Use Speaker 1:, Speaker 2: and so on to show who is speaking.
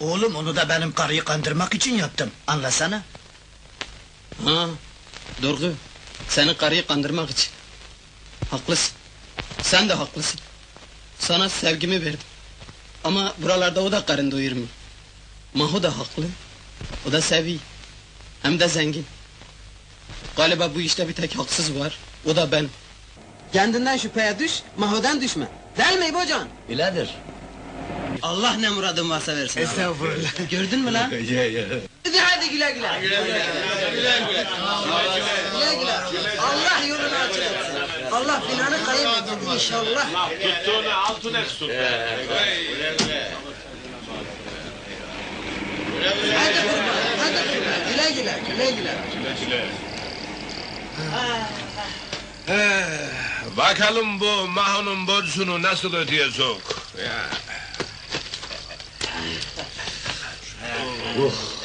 Speaker 1: Oğlum onu da benim karıyı kandırmak için yaptım. Anlasana.
Speaker 2: Ha, doğru. Senin karıyı kandırmak için. Haklısın. Sen de haklısın. Sana sevgimi verdim. Ama buralarda o da karın doyurmuyor. Maho da haklı. O da seviyor. Hem de zengin. Galiba bu işte bir tek haksız var. O da ben. Kendinden şüpheye düş, Maho'dan düşme. Değil mi İbocan?
Speaker 1: Bilader.
Speaker 2: Allah ne muradın varsa versin.
Speaker 1: Estağfurullah.
Speaker 2: Gördün mü lan? Hadi güle güle.
Speaker 3: Güle güle.
Speaker 2: Güle güle. Allah yolunu açık etsin. Allah planı kaybetsin inşallah.
Speaker 3: Tuttuğunu altın etsin.
Speaker 2: Hadi kurban, hadi kurban. Güle güle, güle güle.
Speaker 3: Bakalım bu Maho'nun borcunu nasıl ödeyecek? Ya.